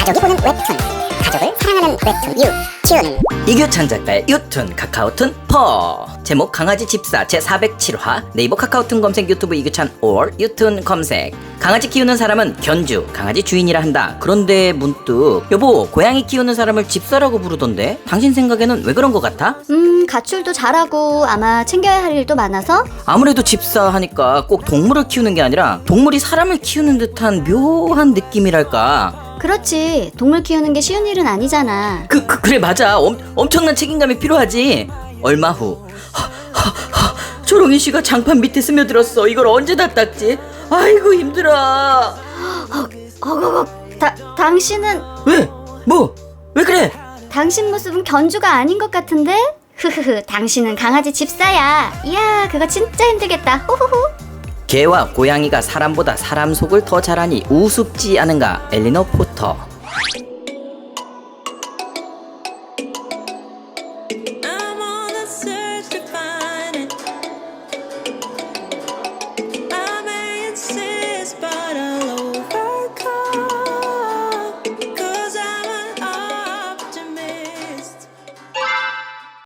가족이 보는 웹툰, 가족을 사랑하는 웹툰 유 키우는 이규찬 작가의 유툰 카카오툰 퍼. 제목 강아지 집사 제407화. 네이버 카카오툰 검색, 유튜브 이규찬 or 유툰 검색. 강아지 키우는 사람은 견주, 강아지 주인이라 한다. 그런데 문득 여보, 고양이 키우는 사람을 집사라고 부르던데 당신 생각에는 왜 그런 것 같아? 가출도 잘하고 아마 챙겨야 할 일도 많아서? 아무래도 집사 하니까 꼭 동물을 키우는 게 아니라 동물이 사람을 키우는 듯한 묘한 느낌이랄까. 그렇지, 동물 키우는 게 쉬운 일은 아니잖아. 그래 맞아. 엄청난 책임감이 필요하지. 얼마 후 초롱이 씨가 장판 밑에 스며들었어. 이걸 언제 다 닦지? 아이고 힘들어. 당신은 왜? 뭐? 왜 그래? 당신 모습은 견주가 아닌 것 같은데? 흐흐흐, 당신은 강아지 집사야. 이야, 그거 진짜 힘들겠다. 호호호. 개와 고양이가 사람보다 사람 속을 더 잘 아니 우습지 않은가? 엘리너 포터.